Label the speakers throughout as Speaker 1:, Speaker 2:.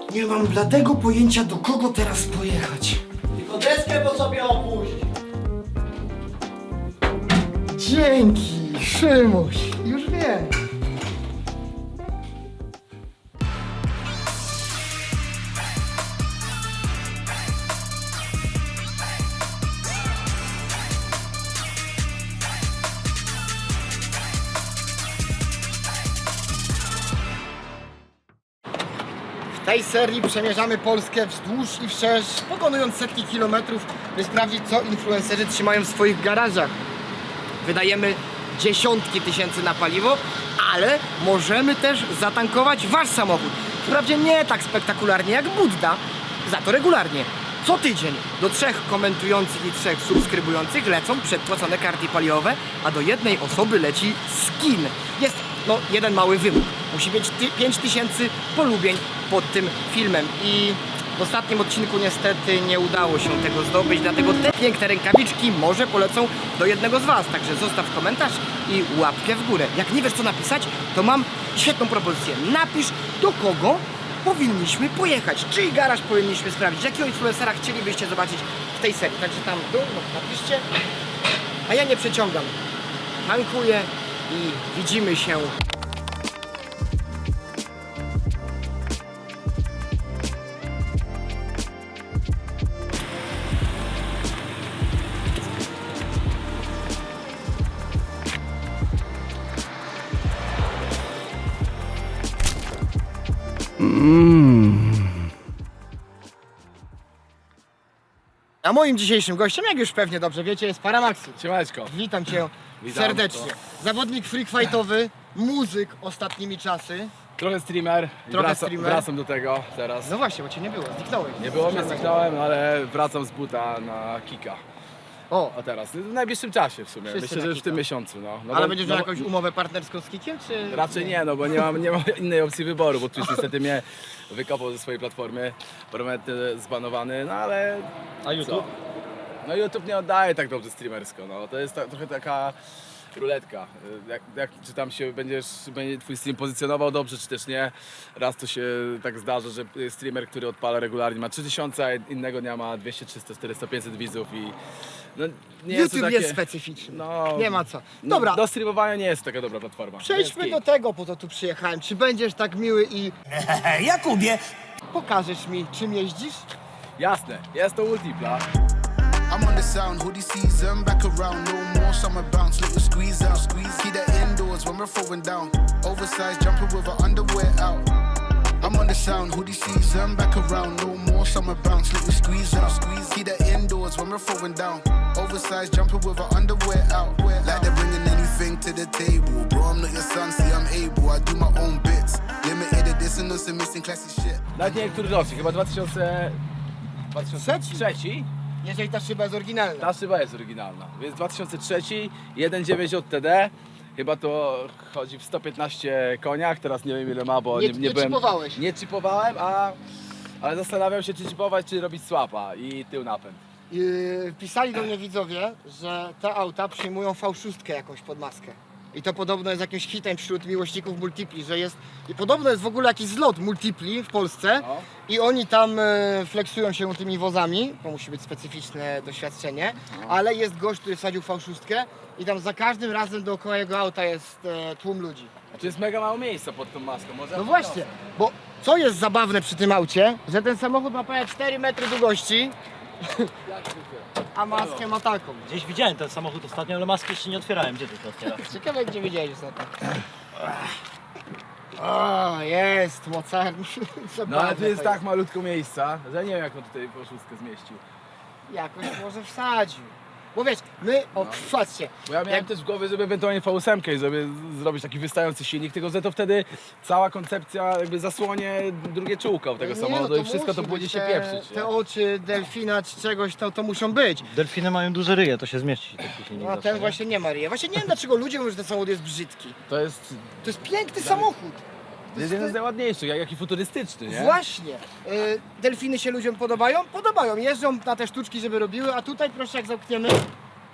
Speaker 1: Nie mam bladego pojęcia, do kogo teraz pojechać.
Speaker 2: Tylko deskę po sobie opuść.
Speaker 1: Dzięki, Szymuś. Już wiem. W tej serii przemierzamy Polskę wzdłuż i wszerz, pokonując setki kilometrów, by sprawdzić, co influencerzy trzymają w swoich garażach. Wydajemy dziesiątki tysięcy na paliwo, ale możemy też zatankować wasz samochód. Wprawdzie nie tak spektakularnie jak Budda, za to regularnie. Co tydzień do 3 komentujących i 3 subskrybujących lecą przedpłacone karty paliwowe, a do jednej osoby leci skin. Jest jeden mały wymóg. Musi mieć 5000 polubień pod tym filmem i w ostatnim odcinku niestety nie udało się tego zdobyć, dlatego te piękne rękawiczki może polecą do jednego z was. Także zostaw komentarz i łapkę w górę. Jak nie wiesz co napisać, to mam świetną propozycję. Napisz, do kogo powinniśmy pojechać, czyj garaż powinniśmy sprawdzić, jakiego influencera chcielibyście zobaczyć w tej serii. Także tam w dół napiszcie, a ja nie przeciągam. Tankuję i widzimy się. A moim dzisiejszym gościem, jak już pewnie dobrze wiecie, jest Paramaxi.
Speaker 3: Siemaneczko.
Speaker 1: Witam cię
Speaker 3: Witam.
Speaker 1: serdecznie. Zawodnik freak fightowy, muzyk ostatnimi czasy.
Speaker 3: Trochę streamer. i
Speaker 1: Trochę streamer.
Speaker 3: Wracam do tego teraz.
Speaker 1: No właśnie, bo cię nie było, zniknąłeś.
Speaker 3: Nie było mnie, zniknąłem, ale wracam z buta na kika.
Speaker 1: O,
Speaker 3: A teraz, w najbliższym czasie w sumie.
Speaker 1: Wszyscy
Speaker 3: Myślę,
Speaker 1: na
Speaker 3: że już w tym
Speaker 1: kika.
Speaker 3: miesiącu. No
Speaker 1: ale
Speaker 3: bo-
Speaker 1: będziesz
Speaker 3: no
Speaker 1: miał
Speaker 3: bo-
Speaker 1: jakąś umowę partnerską z Kikiem, czy...
Speaker 3: Raczej nie, no bo nie mam innej opcji wyboru, bo Twitch niestety mnie wykopał ze swojej platformy. Prometny zbanowany, no ale...
Speaker 2: A YouTube?
Speaker 3: Co? No YouTube nie oddaje tak dobrze streamersko, no. To jest trochę taka ruletka. Czy tam się będzie twój stream pozycjonował dobrze, czy też nie. Raz to się tak zdarza, że streamer, który odpala regularnie ma 3000, a innego dnia ma 200, 300, 400, 500 widzów i no, nie jest to
Speaker 1: YouTube
Speaker 3: takie...
Speaker 1: jest specyficzny.
Speaker 3: No,
Speaker 1: Nie ma co.
Speaker 3: no,
Speaker 1: Dobra,
Speaker 3: do streamowania nie jest to taka dobra platforma.
Speaker 1: przejdźmy
Speaker 3: Więc
Speaker 1: do tego, po co tu przyjechałem. Czy będziesz tak miły i
Speaker 2: Jakubie!
Speaker 1: pokażesz mi, czym jeździsz?
Speaker 3: Jasne, jest to Multipla.
Speaker 4: I'm on the sound, hoodie season, back around, no more summer bounce, little squeeze out, squeeze. Keep that indoors when we're throwing down. Oversized jumper with our underwear out. I'm on the sound, hoodie season, back around, no more summer bounce, little squeeze out, squeeze. Keep that indoors when we're throwing down. Oversized jumper with our underwear out. Like they're bringing anything to the table. Bro, I'm not your son, see I'm able, I do my own bits. Limited edition, no some missing classy shit.
Speaker 3: Nawet nie wiem, który rocznik, chyba 2003.
Speaker 1: Jeżeli ta szyba jest oryginalna.
Speaker 3: Ta szyba jest oryginalna, więc 2003, 1.9 JTD, chyba to chodzi w 115 koniach, teraz nie wiem ile ma, bo
Speaker 1: Nie
Speaker 3: nie byłem...
Speaker 1: chipowałeś.
Speaker 3: Nie chipowałem, ale zastanawiam się czy chipować, czy robić swapa i tył napęd.
Speaker 1: Pisali do mnie widzowie, że te auta przyjmują V6 jakąś pod maskę. I to podobno jest jakimś hitem wśród miłośników multipli, że jest... I podobno jest w ogóle jakiś zlot multipli w Polsce
Speaker 3: No.
Speaker 1: i oni tam flexują się tymi wozami, to musi być specyficzne doświadczenie, ale jest gość, który wsadził V6 i tam za każdym razem dookoła jego auta jest tłum ludzi.
Speaker 3: A tu jest mega mało miejsca pod tą maską, może...
Speaker 1: No właśnie, bo co jest zabawne przy tym aucie, że ten samochód ma prawie 4 metry długości, a maskę ma taką.
Speaker 2: Gdzieś widziałem ten samochód ostatnio, ale maski jeszcze nie otwierałem. Gdzie ty to otwierasz?
Speaker 1: Ciekawe gdzie widziałeś ostatnio. O, jest mocarny.
Speaker 3: No ale tu jest tak malutko miejsca, że nie wiem jak on tutaj po szóstkę zmieścił.
Speaker 1: Jakoś może wsadził. Bo wiesz, my, patrzcie,
Speaker 3: Bo ja miałem też w głowie, żeby ewentualnie V8 i żeby zrobić taki wystający silnik, tylko że to wtedy cała koncepcja jakby zasłonie drugie czółko tego
Speaker 1: nie,
Speaker 3: samochodu
Speaker 1: no
Speaker 3: i wszystko to
Speaker 1: musi
Speaker 3: będzie
Speaker 1: być
Speaker 3: się pieprzyć.
Speaker 1: te oczy delfina czy czegoś, to muszą być.
Speaker 2: Delfiny mają duże ryje, to się zmieści taki silnik
Speaker 1: No a
Speaker 2: zawsze,
Speaker 1: ten
Speaker 2: nie?
Speaker 1: właśnie nie ma ryja. Właśnie nie wiem dlaczego ludzie mówią, że ten samochód jest brzydki.
Speaker 3: To jest
Speaker 1: To jest piękny samochód. To
Speaker 3: jeden z najładniejszych, jak i futurystyczny, nie?
Speaker 1: Właśnie. Delfiny się ludziom podobają? Podobają. Jeżdżą na te sztuczki, żeby robiły, a tutaj proszę jak zamkniemy.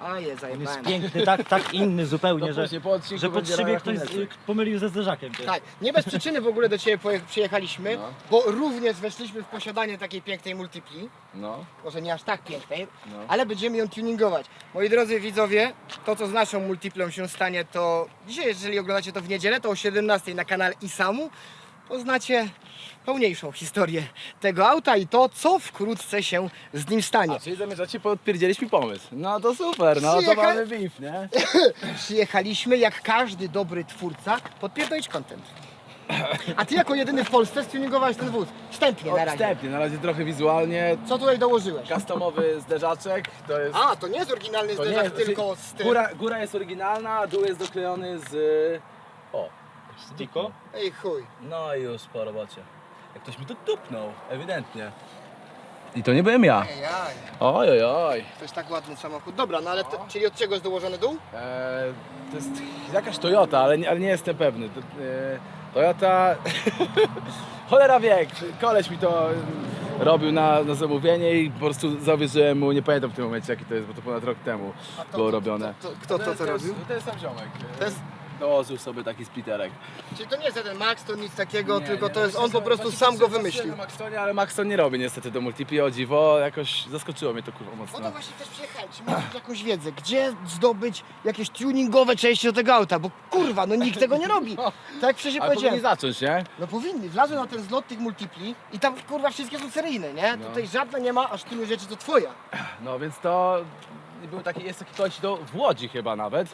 Speaker 1: A je,
Speaker 2: On jest
Speaker 1: zajebałem.
Speaker 2: piękny, tak inny zupełnie,
Speaker 3: To
Speaker 2: że,
Speaker 3: później po odcinku
Speaker 2: że pod
Speaker 3: będzie
Speaker 2: szybie
Speaker 3: na
Speaker 2: ktoś
Speaker 3: rachunek.
Speaker 2: pomylił ze zderzakiem. Też.
Speaker 1: Tak, nie bez przyczyny w ogóle do Ciebie przyjechaliśmy,
Speaker 3: No.
Speaker 1: bo również weszliśmy w posiadanie takiej pięknej multipli.
Speaker 3: No.
Speaker 1: Może nie aż tak pięknej,
Speaker 3: No.
Speaker 1: ale będziemy ją tuningować. Moi drodzy widzowie, to co z naszą multiplą się stanie, to dzisiaj, jeżeli oglądacie to w niedzielę, to o 17 na kanale Isamu poznacie pełniejszą historię tego auta i to, co wkrótce się z nim stanie.
Speaker 3: A czyli zamierzacie podpierdzielić mi pomysł. No to super, no to
Speaker 1: Przyjecha-
Speaker 3: mamy beef, nie?
Speaker 1: Przyjechaliśmy, jak każdy dobry twórca, podpierdolić content. A Ty jako jedyny w Polsce stuningowałeś ten wóz. Wstępnie na razie.
Speaker 3: Odstępnie, na razie trochę wizualnie.
Speaker 1: Co tutaj dołożyłeś?
Speaker 3: Customowy zderzaczek, to jest...
Speaker 1: A, to nie jest oryginalny
Speaker 3: to nie
Speaker 1: zderzak,
Speaker 3: jest,
Speaker 1: tylko z tym.
Speaker 3: góra jest oryginalna, a dół jest doklejony z... O,
Speaker 2: Stiko?
Speaker 1: Ej chuj.
Speaker 3: no i już po robocie. Jak ktoś mi to tupnął, ewidentnie. I to nie byłem ja.
Speaker 1: Ej, aj.
Speaker 3: Oj, oj, oj.
Speaker 1: To jest tak ładny samochód. Dobra, no ale to, czyli od czego jest dołożony dół?
Speaker 3: To jest jakaś Toyota, ale nie jestem pewny. Toyota... Cholera wie, koleś mi to robił na zamówienie i po prostu zawierzyłem mu, nie pamiętam w tym momencie jaki to jest, bo to ponad rok temu było robione.
Speaker 1: Kto to robił?
Speaker 3: To jest sam ziomek.
Speaker 1: To jest,
Speaker 3: Dołożył sobie taki splitterek.
Speaker 1: czyli to nie jest jeden Max, to nic takiego,
Speaker 3: Nie,
Speaker 1: tylko
Speaker 3: nie,
Speaker 1: to jest
Speaker 3: właśnie
Speaker 1: on po
Speaker 3: sobie-
Speaker 1: prostu
Speaker 3: właśnie
Speaker 1: sam go
Speaker 3: patrzyłem
Speaker 1: wymyślił.
Speaker 3: na Maxtonie, ale Maxton nie robi niestety do multipli, o dziwo, jakoś zaskoczyło mnie to kurwa
Speaker 1: O
Speaker 3: mocno.
Speaker 1: to właśnie też przyjechałem, czy masz jakąś wiedzę, gdzie zdobyć jakieś tuningowe części do tego auta, bo kurwa, no nikt tego nie robi. Tak jak wcześniej
Speaker 3: Ale powinni
Speaker 1: powiedziałem.
Speaker 3: zacząć, nie?
Speaker 1: No powinni, wlazły na ten zlot tych multipli i tam kurwa wszystkie są seryjne, nie?
Speaker 3: No.
Speaker 1: Tutaj żadna nie ma, aż tylu rzeczy to twoja.
Speaker 3: No więc to jest taki koleś w Łodzi chyba nawet,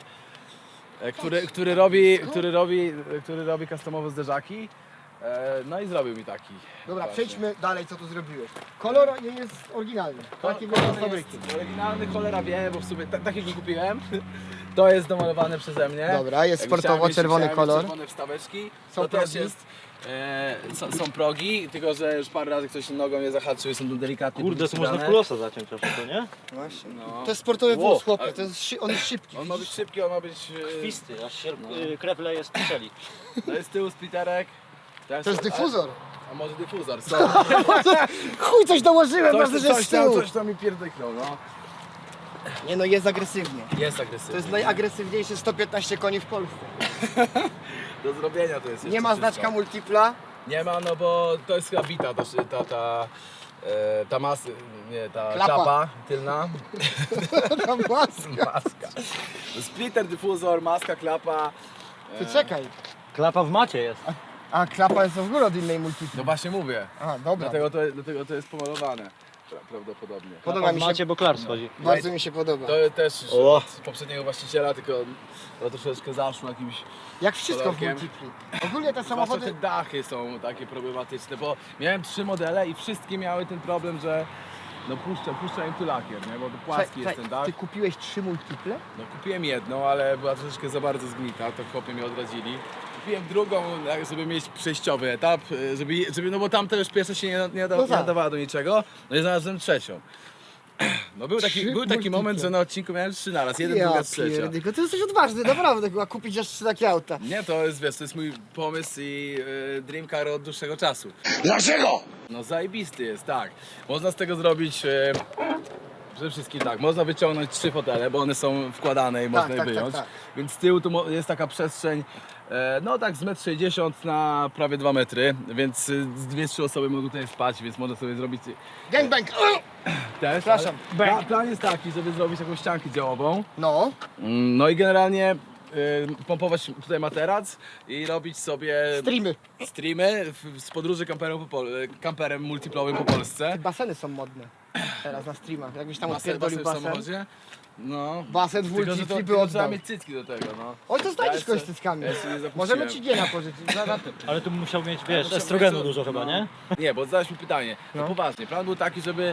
Speaker 3: który robi customowe zderzaki. No i zrobił mi taki.
Speaker 1: Dobra,
Speaker 3: właśnie.
Speaker 1: przejdźmy dalej, co tu zrobiłeś. Kolor nie jest oryginalny, taki wygląda z fabryki.
Speaker 3: Jest oryginalny, cholera wie, bo w sumie taki nie kupiłem. To jest domalowane przeze mnie.
Speaker 1: Dobra, jest
Speaker 3: Jakby
Speaker 1: sportowo,
Speaker 3: chciałem
Speaker 1: czerwony
Speaker 3: mieć
Speaker 1: kolor.
Speaker 3: Czerwone wstaweczki.
Speaker 1: Są
Speaker 3: To też
Speaker 1: progi.
Speaker 3: jest. Są progi, tylko że już parę razy ktoś nogą je zahaczył i są tu delikatnie
Speaker 2: Kurde, to można
Speaker 3: podciskane.
Speaker 2: kulosa zaciąć trochę, to nie?
Speaker 1: Właśnie.
Speaker 3: No.
Speaker 1: To jest sportowy
Speaker 3: Wow,
Speaker 1: wóz, chłopie,
Speaker 3: ale-
Speaker 1: to jest on jest szybki.
Speaker 3: On ma być szybki, on ma być...
Speaker 2: Krwisty, aż się krew leje z piszeli.
Speaker 3: To jest z tyłu splitterek.
Speaker 1: To jest dyfuzor.
Speaker 3: A może dyfuzor, co?
Speaker 1: Chuj, coś dołożyłem, ważne, że jest z tyłu.
Speaker 3: Coś tam mi pierdyknął, no.
Speaker 1: Nie no, jest agresywnie.
Speaker 3: Jest agresywny.
Speaker 1: To jest najagresywniejszy 115 koni w Polsce.
Speaker 3: Do zrobienia to jest
Speaker 1: Nie
Speaker 3: jeszcze
Speaker 1: ma
Speaker 3: wszystko.
Speaker 1: znaczka multipla.
Speaker 3: Nie ma, no bo to jest chyba bita, ta
Speaker 1: Klapa.
Speaker 3: klapa tylna.
Speaker 1: Ta maska.
Speaker 3: Maska. Splitter, dyfuzor, maska, klapa.
Speaker 1: Ty czekaj.
Speaker 2: Klapa w macie jest.
Speaker 1: A klapa jest w ogóle od innej multipli.
Speaker 3: No właśnie mówię.
Speaker 1: A, dobra.
Speaker 3: Dlatego to jest pomalowane. Prawdopodobnie.
Speaker 1: Podoba
Speaker 2: Klapa w
Speaker 1: mi się,
Speaker 2: macie, bo klar schodzi.
Speaker 1: bardzo mi się podoba.
Speaker 3: To też już
Speaker 2: O.
Speaker 3: od poprzedniego właściciela, tylko to troszeczkę zaszło jakimś...
Speaker 1: Jak wszystko w
Speaker 3: kolorkiem.
Speaker 1: multipli. Ogólnie te
Speaker 3: Zwłaszcza
Speaker 1: samochody...
Speaker 3: te dachy są takie problematyczne, bo miałem 3 modele i wszystkie miały ten problem, że no puszcza im tu lakier, nie? Bo to płaski jest ten dach.
Speaker 1: Ty kupiłeś 3 multiple?
Speaker 3: No kupiłem jedną, ale była troszeczkę za bardzo zgnita, to chłopie mi odradzili. Kupiłem drugą, żeby mieć przejściowy etap, żeby no bo tamta już pierwsza się nie
Speaker 1: No tak.
Speaker 3: nadawała do niczego, no i znalazłem trzecią. No był taki
Speaker 1: multiple.
Speaker 3: moment, że na odcinku miałem 3 naraz, jeden, druga, trzecia.
Speaker 1: pierdyko, ty jesteś odważny, naprawdę, chyba kupić aż 3 takie auta.
Speaker 3: Nie, to jest, wiesz, to jest mój pomysł i dream car od dłuższego czasu.
Speaker 4: Dlaczego?
Speaker 3: No zajebisty jest, tak. Można z tego zrobić, przede wszystkim tak, można wyciągnąć 3 fotele, bo one są wkładane i można je
Speaker 1: tak,
Speaker 3: wyjąć.
Speaker 1: tak.
Speaker 3: Więc z tyłu tu jest taka przestrzeń, no tak z 1,60 m na prawie 2 metry, więc z 2-3 osoby mogą tutaj spać, więc można sobie zrobić
Speaker 1: Gangbang!
Speaker 3: też.
Speaker 1: Przepraszam.
Speaker 3: ale plan jest taki, żeby zrobić jakąś ściankę działową.
Speaker 1: No,
Speaker 3: No i generalnie pompować tutaj materac i robić sobie
Speaker 1: streamy.
Speaker 3: z podróży kamperem multiplowym po Polsce.
Speaker 1: Baseny są modne teraz na streamach. Jakbyś tam
Speaker 3: Basen
Speaker 1: odpierdolił
Speaker 3: w
Speaker 1: basen.
Speaker 3: samochodzie. No.
Speaker 1: Basen w
Speaker 3: Tylko, że
Speaker 1: multipli by
Speaker 3: tylko trzeba
Speaker 1: oddał.
Speaker 3: mieć cycki do tego, no.
Speaker 1: Oj, to znajdziesz
Speaker 3: Ja
Speaker 1: kogoś z
Speaker 3: jeszcze-
Speaker 1: cyckami.
Speaker 3: ja jeszcze nie zapuściłem.
Speaker 1: Możemy ci giena pożyczyć.
Speaker 2: Ale tu musiał mieć, wiesz,
Speaker 3: musiał
Speaker 2: estrogenu
Speaker 3: mieć-
Speaker 2: dużo chyba,
Speaker 3: no.
Speaker 2: nie?
Speaker 3: Nie, bo zadałeś mi pytanie. No
Speaker 1: No.
Speaker 3: poważnie, plan był taki, żeby...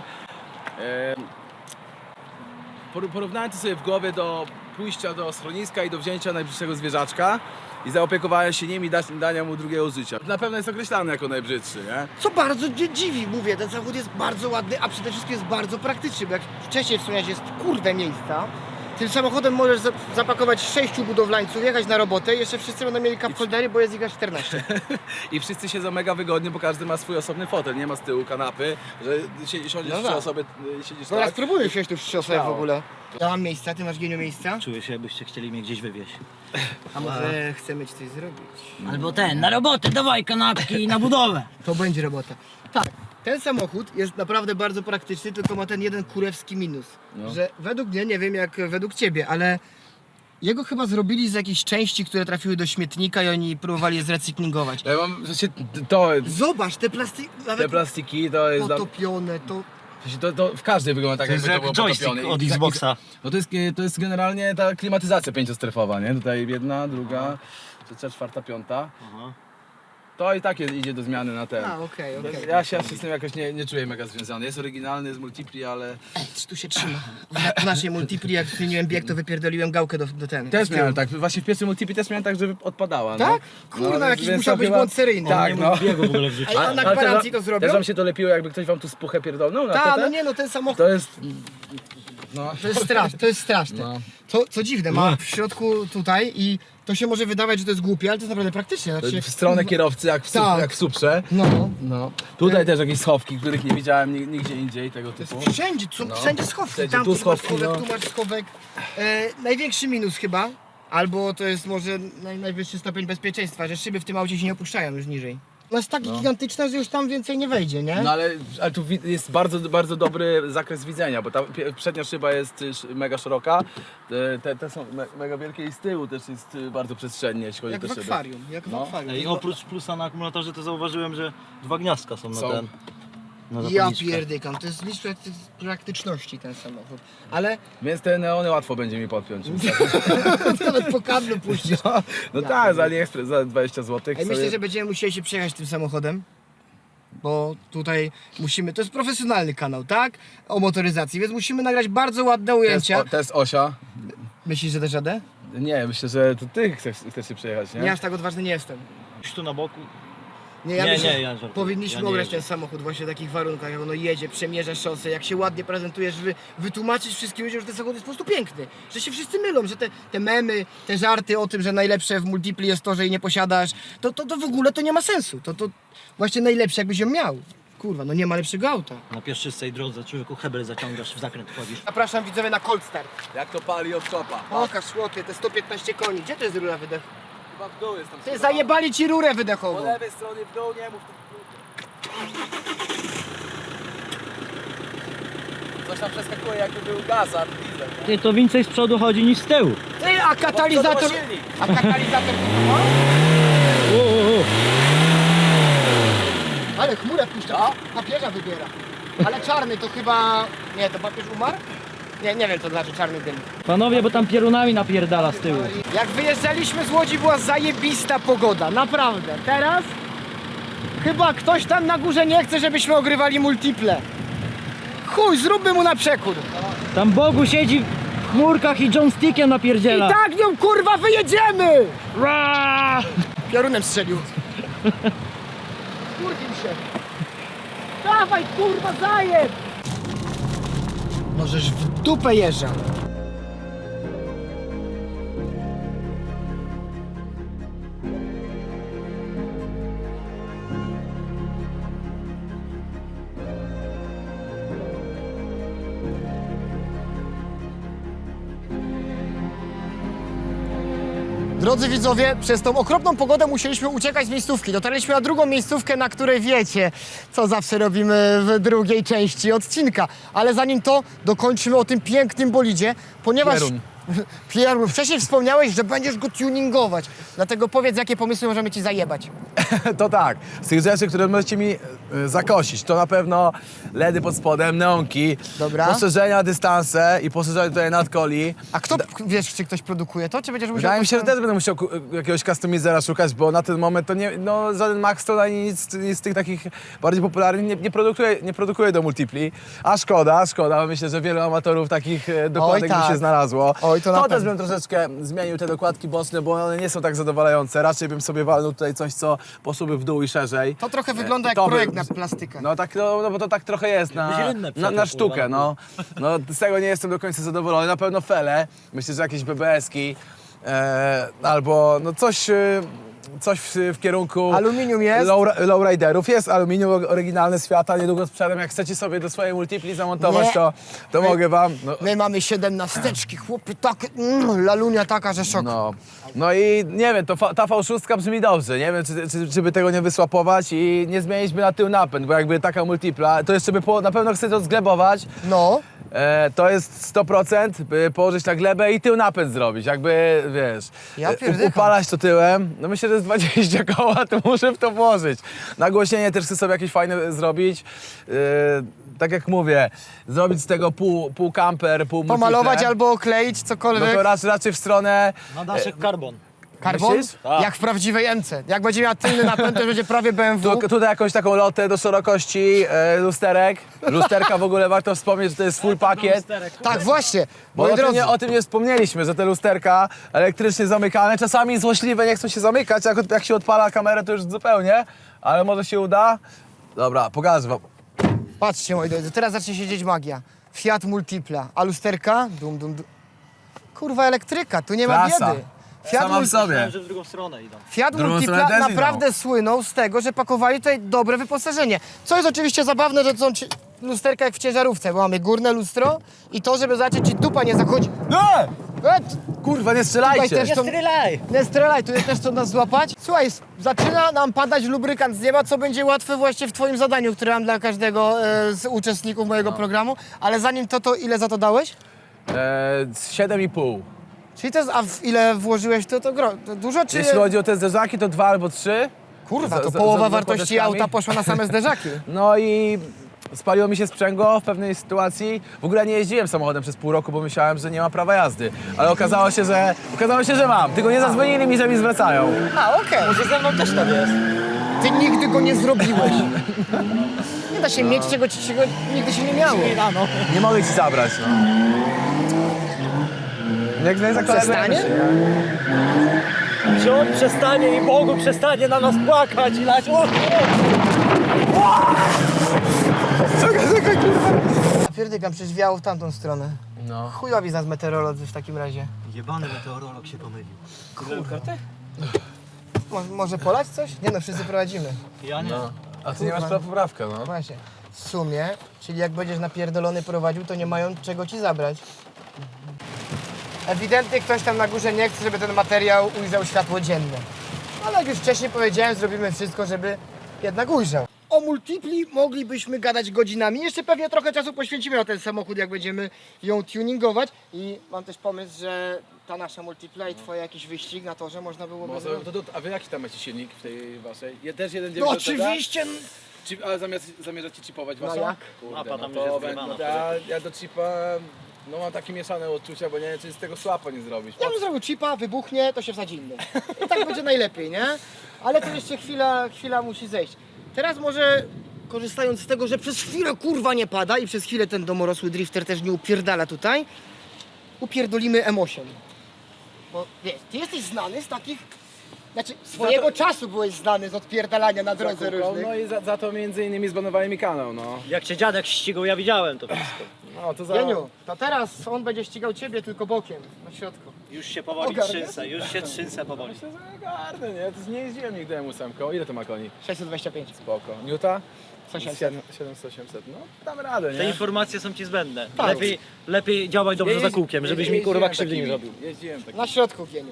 Speaker 3: Porównałem to sobie w głowie do pójścia do schroniska i do wzięcia najbrzydszego zwierzaczka i zaopiekowania się nim i dania mu drugiego życia. Na pewno jest określany jako najbrzydszy, nie?
Speaker 1: Co bardzo mnie dziwi, mówię, ten samochód jest bardzo ładny, a przede wszystkim jest bardzo praktyczny, bo jak wcześniej wspomniałeś, jest kurde miejsca, Tym samochodem możesz zapakować 6 budowlańców, jechać na robotę i jeszcze wszyscy będą mieli cup holdery, bo jest ich aż 14.
Speaker 3: I wszyscy siedzą mega wygodnie, bo każdy ma swój osobny fotel, nie ma z tyłu kanapy, że siądziesz
Speaker 1: No
Speaker 3: 3
Speaker 1: tak.
Speaker 3: osoby, siedzisz
Speaker 1: Dobra,
Speaker 3: tak.
Speaker 1: spróbuję wsiąść tu w 3 osoby w
Speaker 3: Śmiało.
Speaker 1: ogóle. Ja mam miejsca, ty masz Geniu miejsca?
Speaker 2: Czuję się, jakbyście chcieli mnie gdzieś wywieźć.
Speaker 1: A może chcemy ci coś zrobić?
Speaker 5: Albo ten, na robotę, dawaj kanapki i na budowę.
Speaker 1: To będzie robota. Tak, ten samochód jest naprawdę bardzo praktyczny, tylko ma ten jeden kurewski minus.
Speaker 3: No.
Speaker 1: Że według mnie, nie wiem jak według ciebie, ale jego chyba zrobili z jakichś części, które trafiły do śmietnika i oni próbowali je zrecyklingować.
Speaker 3: Ja mam, to,
Speaker 1: Zobacz, te plastiki,
Speaker 3: te
Speaker 1: nawet
Speaker 3: plastiki to jest...
Speaker 1: potopione, to...
Speaker 3: To w każdej wygląda tak,
Speaker 2: To jest
Speaker 3: jakby
Speaker 2: jak
Speaker 3: to było
Speaker 2: joystick
Speaker 3: potopione.
Speaker 2: od
Speaker 3: I- i-
Speaker 2: Xboxa.
Speaker 3: No to jest generalnie ta klimatyzacja 5-strefowa, nie? Tutaj jedna, druga, trzecia, czwarta, piąta.
Speaker 2: Aha.
Speaker 3: To i tak idzie do zmiany na ten.
Speaker 1: A, okej.
Speaker 3: Ja się z tym jakoś nie czuję mega związany. Jest oryginalny, jest multipli, ale
Speaker 1: Tu się trzyma. W naszej multipli, jak zmieniłem bieg, to wypierdoliłem gałkę do ten.
Speaker 3: też miałem tak, właśnie w pierwszym multipli też miałem tak, żeby odpadała.
Speaker 1: Tak?
Speaker 3: No.
Speaker 1: Kurna,
Speaker 3: No,
Speaker 1: jakiś
Speaker 3: więc
Speaker 1: musiał
Speaker 3: to
Speaker 1: być
Speaker 3: chyba-
Speaker 1: błąd seryjny.
Speaker 3: Tak,
Speaker 2: Nie
Speaker 3: no.
Speaker 2: mógł biegu w ogóle wrzucić.
Speaker 1: A na
Speaker 3: Ale
Speaker 1: gwarancji
Speaker 3: też-
Speaker 1: to zrobią?
Speaker 3: Też wam się to lepiło, jakby ktoś wam tu spuchę pierdolnął na
Speaker 1: Tak,
Speaker 3: TT?
Speaker 1: no nie no, ten samochód
Speaker 3: To jest... No.
Speaker 1: to jest straszne, to jest straszne.
Speaker 3: No.
Speaker 1: Co dziwne, ma w środku tutaj i to się może wydawać, że to jest głupie, ale to jest naprawdę praktyczne. Znaczy,
Speaker 3: W stronę kierowcy, jak w,
Speaker 1: Tak.
Speaker 3: jak w Suprze.
Speaker 1: No,
Speaker 3: No. Tutaj też jakieś schowki, których nie widziałem nigdzie indziej tego
Speaker 1: to jest
Speaker 3: typu.
Speaker 1: wszędzie, tu są
Speaker 3: No.
Speaker 1: wszędzie schowki.
Speaker 3: Wszędzie,
Speaker 1: Tam
Speaker 3: tu
Speaker 1: masz
Speaker 3: schowki,
Speaker 1: schowek,
Speaker 3: no.
Speaker 1: tu masz schowek. Największy minus chyba, albo to jest może najwyższy stopień bezpieczeństwa, że szyby w tym aucie się nie opuszczają już niżej. Ona jest tak gigantyczna, że już tam więcej nie wejdzie, nie?
Speaker 3: No ale tu jest bardzo dobry zakres widzenia, bo ta przednia szyba jest mega szeroka, te są mega wielkie i z tyłu też jest bardzo przestrzennie, jeśli chodzi
Speaker 1: Jak
Speaker 3: o
Speaker 1: w
Speaker 3: te szyby.
Speaker 1: akwarium, jak w
Speaker 3: No.
Speaker 1: akwarium.
Speaker 2: Ej, oprócz plusa na akumulatorze to zauważyłem, że 2 gniazdka są na
Speaker 3: Są.
Speaker 2: ten. Na
Speaker 1: Ja
Speaker 2: zapalniczkę.
Speaker 1: pierdykam, to jest list praktyczności ten samochód. Ale
Speaker 3: Więc te neony łatwo będzie mi podpiąć.
Speaker 1: nawet po kablu puścić.
Speaker 3: No tak, za AliExpress za 20 zł.
Speaker 1: Ej, myślę, że będziemy musieli się przejechać tym samochodem. Bo tutaj musimy, to jest profesjonalny kanał, tak? O motoryzacji, więc musimy nagrać bardzo ładne ujęcia.
Speaker 3: To jest Osia.
Speaker 1: Myślisz, że dasz radę?
Speaker 3: Nie, myślę, że to ty chcesz się przejechać, nie?
Speaker 1: Nie, aż tak odważny nie jestem.
Speaker 2: Gdzieś tu na boku.
Speaker 1: Ja
Speaker 2: Nie,
Speaker 1: myślę,
Speaker 2: nie, ja żartuję.
Speaker 1: powinniśmy
Speaker 2: Ja nie
Speaker 1: ograć
Speaker 2: jeżdżę.
Speaker 1: ten samochód właśnie w takich warunkach, jak ono jedzie, przemierza szosę, jak się ładnie prezentujesz, wytłumaczyć wszystkim ludziom, że ten samochód jest po prostu piękny, że się wszyscy mylą, że te memy, te żarty o tym, że najlepsze w multipli jest to, że jej nie posiadasz, to w ogóle to nie ma sensu, to właśnie najlepsze jakbyś ją miał. Kurwa, no nie ma lepszego auta.
Speaker 2: Na pieszczystej drodze człowieku hebel zaciągasz, w zakręt wchodzisz.
Speaker 1: Zapraszam widzowie na Cold Start.
Speaker 3: Jak to pali od kopa.
Speaker 1: Pokaż chłopie, te 115 koni, gdzie to jest rura wydechowa?
Speaker 3: Chyba w dół jest tam.
Speaker 1: Ty zajebali ci rurę
Speaker 3: Po
Speaker 1: wydechową.
Speaker 3: lewej stronie w dół, nie mów. Coś tam przeskakuje, jakby był gaz, a diesel, nie?
Speaker 2: Ty, to więcej z przodu chodzi niż z tyłu.
Speaker 1: Ty, a katalizator...
Speaker 3: To silnik.
Speaker 1: A katalizator to ma? Ale chmurę puszcza, papieża wybiera. Ale czarny to chyba... Nie, to papież umarł? Nie wiem co znaczy czarny dym.
Speaker 2: Panowie, bo tam pierunami napierdala z tyłu.
Speaker 1: Jak wyjeżdżaliśmy z Łodzi była zajebista pogoda, naprawdę. Teraz chyba ktoś tam na górze nie chce, żebyśmy ogrywali multiple. Chuj, zróbmy mu na przekór.
Speaker 2: Tam Bogu siedzi w chmurkach i joystickiem
Speaker 1: I
Speaker 2: napierdziela.
Speaker 1: tak nią kurwa wyjedziemy!
Speaker 2: Ra!
Speaker 1: Piorunem strzelił. Skurwił się. Dawaj kurwa zajeb! Możesz w dupę jeżdżał. Drodzy widzowie, przez tą okropną pogodę musieliśmy uciekać z miejscówki. Dotarliśmy na drugą miejscówkę, na której wiecie, co zawsze robimy w drugiej części odcinka. Ale zanim to, dokończymy o tym pięknym bolidzie, ponieważ...
Speaker 3: Pierun.
Speaker 1: Pierun, wcześniej wspomniałeś, że będziesz go tuningować. Dlatego powiedz, jakie pomysły możemy ci zajebać.
Speaker 3: To tak, z tych rzeczy, które możecie mi zakosić, to na pewno LEDy pod spodem, neonki,
Speaker 1: Dobra.
Speaker 3: poszerzenia, dystanse i poszerzenie tutaj nadkoli.
Speaker 1: A kto, wiesz, czy ktoś produkuje to, czy będziesz musiał...
Speaker 3: Wydaje mi się, że
Speaker 1: jakoś tam-
Speaker 3: też będę musiał jakiegoś customizera szukać, bo na ten moment to nie, no żaden Maxton ani nic z tych takich bardziej popularnych nie produkuje do multipli. A szkoda, bo myślę, że wielu amatorów takich dokładek by
Speaker 1: tak.
Speaker 3: się znalazło.
Speaker 1: Oj i to na
Speaker 3: też
Speaker 1: pewno.
Speaker 3: bym troszeczkę zmienił te dokładki boczne, bo one nie są tak zadowalające. Raczej bym sobie walnął tutaj coś, co poszłoby w dół i szerzej.
Speaker 1: To trochę wygląda jak
Speaker 3: to by-
Speaker 1: projekt na plastykę.
Speaker 3: No tak, no bo to tak trochę jest
Speaker 2: rynne
Speaker 3: na
Speaker 2: przekop,
Speaker 3: sztukę, no. No z tego nie jestem do końca zadowolony. Na pewno fele, myślę, że jakieś BBS-ki albo no coś w kierunku
Speaker 1: Aluminium jest?
Speaker 3: lowriderów. Jest aluminium oryginalne z Fiata, niedługo sprzedam. Jak chcecie sobie do swojej multipli zamontować,
Speaker 1: Nie.
Speaker 3: to mogę wam. No,
Speaker 1: My mamy 17, chłopy, tak, lalunia taka, że szok.
Speaker 3: no i nie wiem, ta V6 brzmi dobrze. Nie wiem, czy by tego nie wysłapować i nie zmienić by na tył napęd, bo jakby taka multipla, to jeszcze by na pewno chcę to zglebować.
Speaker 1: No,
Speaker 3: To jest 100%, by położyć na glebę i tył napęd zrobić, jakby, wiesz,
Speaker 1: Ja pierdycham.
Speaker 3: upalać to tyłem, no myślę, że jest 20 koła, to muszę w to włożyć. Nagłośnienie też chcę sobie jakieś fajne zrobić, tak jak mówię, zrobić z tego pół camper, pół multiple.
Speaker 1: pomalować albo okleić,
Speaker 3: No
Speaker 1: cokolwiek.
Speaker 3: to raczej w stronę,
Speaker 2: Na daszek karbon.
Speaker 1: Karbon?
Speaker 3: myślisz?
Speaker 2: Tak.
Speaker 1: Jak w prawdziwej MC. Jak będzie miała tylny napęd, to będzie prawie BMW.
Speaker 3: tutaj jakąś taką lotę do szerokości lusterek. Lusterka w ogóle warto wspomnieć, że to jest full pakiet.
Speaker 1: Tak, właśnie.
Speaker 3: Bo
Speaker 1: Moi
Speaker 3: o tym,
Speaker 1: drodzy,
Speaker 3: o tym nie wspomnieliśmy, że te lusterka elektrycznie zamykane, czasami złośliwe nie chcą się zamykać, jak się odpala kamerę to już zupełnie, ale może się uda. Dobra, pokażę wam.
Speaker 1: patrzcie moi drodzy, teraz zacznie się dzieć magia. Fiat Multipla, a lusterka? Dum, dum, dum. Kurwa, elektryka, tu nie ma
Speaker 3: Klasa.
Speaker 1: biedy. Fiat,
Speaker 3: Sama w sobie.
Speaker 2: Myślałem, że w drugą stronę idą.
Speaker 1: Fiat
Speaker 3: Drugą
Speaker 1: Multipla
Speaker 3: stronę też
Speaker 1: naprawdę słynął z tego, że pakowali tutaj dobre wyposażenie. Co jest oczywiście zabawne, że to są lusterka jak w ciężarówce, bo mamy górne lustro i to, żeby zobaczyć, czy dupa nie zachodzi.
Speaker 3: Nie!
Speaker 1: Et,
Speaker 3: Kurwa, nie
Speaker 1: tutaj
Speaker 3: strzelajcie!
Speaker 1: też to...
Speaker 2: Strzelaj!
Speaker 1: Nie strzelaj, tu jest też co nas złapać. Słuchaj, zaczyna nam padać lubrykant z nieba, co będzie łatwe właśnie w twoim zadaniu, które mam dla każdego z uczestników mojego programu. Ale zanim to ile za to dałeś?
Speaker 3: 7,5.
Speaker 1: Czyli to jest, ile włożyłeś to dużo, czy...
Speaker 3: Jeśli chodzi o te zderzaki, to 2 albo 3.
Speaker 1: Kurwa, to
Speaker 3: za-
Speaker 1: połowa
Speaker 3: za
Speaker 1: wartości
Speaker 3: podeszkami.
Speaker 1: auta poszła na same zderzaki.
Speaker 3: No i spaliło mi się sprzęgło w pewnej sytuacji. W ogóle nie jeździłem samochodem przez pół roku, bo myślałem, że nie ma prawa jazdy. Ale okazało się, że mam. Tylko nie zadzwonili mi, że mi zwracają.
Speaker 1: A, okej.
Speaker 2: Może ze mną też tak jest.
Speaker 1: Ty nigdy go nie zrobiłeś. Nie da się mieć czego nigdy się nie miało.
Speaker 2: Nie rano.
Speaker 3: Nie mogę ci zabrać, no. Jak nie
Speaker 1: Przestanie?
Speaker 2: Czy on przestanie i Bogu przestanie na nas płakać i lać.
Speaker 1: Pierdykam, przecież wiało w tamtą stronę.
Speaker 3: No.
Speaker 1: Chujowi z nas meteorolodzy w takim razie.
Speaker 2: Jebany meteorolog się pomylił.
Speaker 1: Może polać coś? Nie no, wszyscy prowadzimy.
Speaker 2: Ja nie.
Speaker 3: A ty nie masz
Speaker 1: Kurwa.
Speaker 3: poprawkę, no.
Speaker 1: Właśnie. W sumie, czyli jak będziesz napierdolony prowadził, to nie mają czego ci zabrać. Ewidentnie ktoś tam na górze nie chce, żeby ten materiał ujrzał światło dzienne. Ale jak już wcześniej powiedziałem, zrobimy wszystko, żeby jednak ujrzał. O multipli moglibyśmy gadać godzinami. Jeszcze pewnie trochę czasu poświęcimy na ten samochód, jak będziemy ją tuningować. I mam też pomysł, że ta nasza multipla i twoje jakiś wyścig na torze można byłoby zrobić.
Speaker 3: A wy jaki tam macie silnik w tej waszej? Też 1.9
Speaker 1: No oczywiście!
Speaker 3: Ale zamierzacie chipować
Speaker 1: No
Speaker 3: waszą?
Speaker 1: jak?
Speaker 3: Kurde,
Speaker 2: Mapa tam
Speaker 3: no
Speaker 2: już
Speaker 3: to
Speaker 2: jest
Speaker 3: będę-
Speaker 2: zgrywana.
Speaker 3: ja do chipa mam takie mieszane odczucia, bo nie wiem, czy z tego słapa nie zrobić.
Speaker 1: Ja bym zrobił chipa, wybuchnie, to się wsadzi inny. I tak będzie najlepiej, nie? Ale to jeszcze chwila musi zejść. Teraz może, korzystając z tego, że przez chwilę kurwa nie pada i przez chwilę ten domorosły drifter też nie upierdala tutaj, upierdolimy M8. Bo wiesz, ty jesteś znany z takich... Znaczy, swojego czasu byłeś znany z odpierdalania na drodze różnych.
Speaker 3: No i za to między innymi zbanowali mi kanał, no.
Speaker 2: Jak się dziadek ścigał, ja widziałem to wszystko.
Speaker 3: No to za...
Speaker 1: Jeniu, to teraz on będzie ścigał ciebie tylko bokiem, na środku.
Speaker 2: Już się powoli
Speaker 1: Ogarniasz?
Speaker 2: trzęsę, już się trzęsę powoli.
Speaker 3: Myślę, że garny, nie? To nie jeździłem nigdy M8. Ile to ma koni?
Speaker 1: 625.
Speaker 3: Spoko. Newta?
Speaker 1: 800.
Speaker 3: 700-800. No, dam radę, nie?
Speaker 2: Te informacje są ci zbędne.
Speaker 1: Tak.
Speaker 2: Lepiej działaj dobrze za kółkiem, żebyś mi kurwa krzywdy nie
Speaker 3: robił.
Speaker 2: zrobił.
Speaker 3: Jeździłem tak.
Speaker 1: Na środku, Jeniu.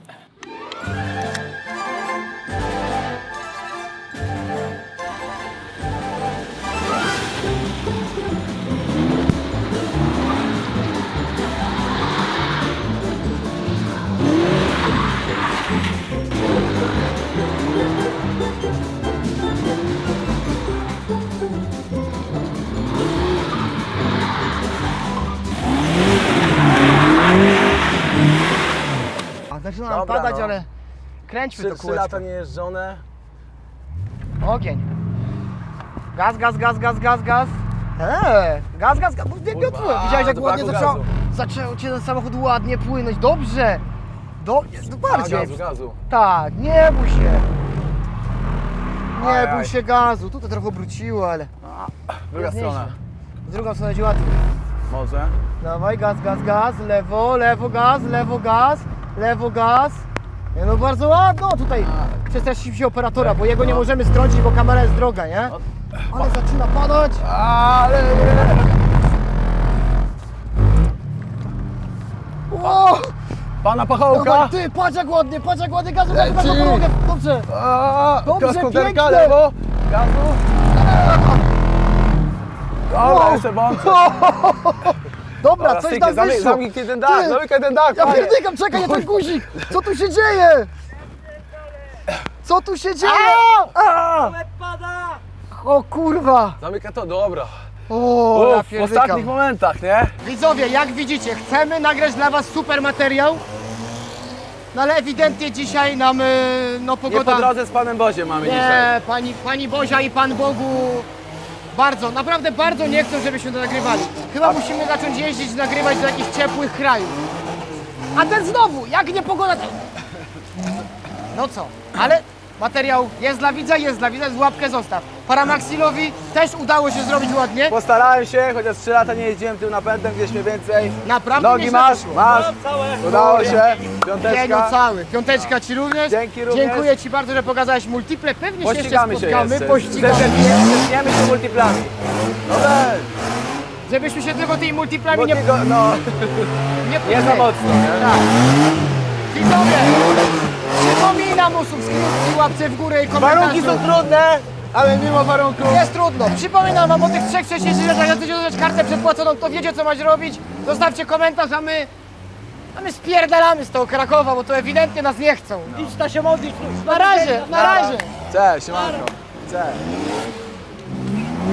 Speaker 1: A zaczyna nam
Speaker 3: Dobra,
Speaker 1: padać,
Speaker 3: no.
Speaker 1: ale kręćmy to
Speaker 3: 3
Speaker 1: kółeczko.
Speaker 3: lata niejeżdżone.
Speaker 1: Ogień. Gaz, gaz, gaz, gaz, gaz, gaz. Gaz, gaz, gaz. Wiotło. Widziałeś jak
Speaker 3: to
Speaker 1: ładnie
Speaker 3: braku
Speaker 1: zaczęło.
Speaker 3: gazu.
Speaker 1: zaczął cię ten samochód ładnie płynąć, dobrze. Bardziej.
Speaker 3: Gazu.
Speaker 1: Tak, nie bój się. Nie
Speaker 3: Ajaj.
Speaker 1: bój się gazu. Tutaj trochę obróciło, ale
Speaker 3: Druga
Speaker 1: jest
Speaker 3: strona.
Speaker 1: nieźle. Z drugą stronę będzie łatwiej.
Speaker 3: Może.
Speaker 1: Dawaj, gaz, gaz, gaz, lewo, lewo, gaz, lewo, gaz, lewo, gaz. Nie, no bardzo ładno tutaj. Przestraszyliśmy się operatora, bo jego nie możemy strącić, bo kamera jest droga, nie? Ale zaczyna padać.
Speaker 3: Ale
Speaker 1: O!
Speaker 3: Pana pachołka.
Speaker 1: Dawaj, ty, patrz jak ładnie, gazu, gazu, gazu, pomogę. Dobrze. Dobrze,
Speaker 3: Gaz konterka,
Speaker 1: pięknie.
Speaker 3: lewo. Gazu. Dobra,
Speaker 1: Wow.
Speaker 3: jeszcze włączę.
Speaker 1: Dobra, coś tam wyszło.
Speaker 3: Zamknij ten dach,
Speaker 1: Ty.
Speaker 3: zamykaj ten dach.
Speaker 1: Ja
Speaker 3: panie.
Speaker 1: pierdykam, czekaj, nie ten guzik! Co tu się dzieje? Co tu się dzieje?
Speaker 2: Łeb pada!
Speaker 1: O kurwa!
Speaker 3: Zamykaj to, dobra.
Speaker 1: O, ja
Speaker 3: W
Speaker 1: pierdykam.
Speaker 3: ostatnich momentach, nie?
Speaker 1: Widzowie, jak widzicie, chcemy nagrać dla was super materiał. No ale ewidentnie dzisiaj nam, no
Speaker 3: Nie po
Speaker 1: pogoda...
Speaker 3: drodze z panem Boziem mamy dzisiaj.
Speaker 1: Nie, pani Bozia i Pan Bogu bardzo, naprawdę bardzo nie chcą, żebyśmy to nagrywali. Chyba musimy zacząć jeździć, nagrywać do jakichś ciepłych krajów. A ten znowu, jak nie pogoda, to... No co, ale materiał jest dla widza, z łapkę zostaw. Paramaxilowi też udało się zrobić ładnie.
Speaker 3: Postarałem się, chociaż 3 lata nie jeździłem tym napędem, gdzieś mnie więcej.
Speaker 1: Naprawdę
Speaker 3: Nogi
Speaker 1: nieźle
Speaker 3: masz,
Speaker 1: wyszło.
Speaker 3: masz.
Speaker 2: Całe!
Speaker 3: Udało się.
Speaker 1: Piękno
Speaker 3: Piąteczka.
Speaker 1: cały. Piąteczka Ci również.
Speaker 3: Dzięki również.
Speaker 1: Dziękuję Ci bardzo, że pokazałeś multiple. Pewnie się jeszcze
Speaker 3: Pościgamy się
Speaker 1: spotkamy.
Speaker 3: jeszcze.
Speaker 1: Pościgamy.
Speaker 3: Zetniemy się multiplami. Dobra.
Speaker 1: Żebyśmy się tylko tymi multiplami
Speaker 3: Bo
Speaker 1: nie,
Speaker 3: ty go, no,
Speaker 1: nie
Speaker 3: nie
Speaker 1: pchnęli.
Speaker 3: za mocno, nie?
Speaker 1: Tak. Widzowie, przypominam o subskrypcji, łapce w górę i komentarzu.
Speaker 3: Warunki są trudne, ale mimo warunków.
Speaker 1: Jest trudno. Przypominam wam o tych 3 wcześniejszych rzeczach. Jak chcecie dostać kartę przedpłaconą, to wiecie co macie robić. Zostawcie komentarz, a my spierdalamy z tego Krakowa, bo to ewidentnie nas nie chcą.
Speaker 2: Idź ta się modlić!
Speaker 1: Na razie, na razie.
Speaker 3: Cześć, siemanko. Cześć.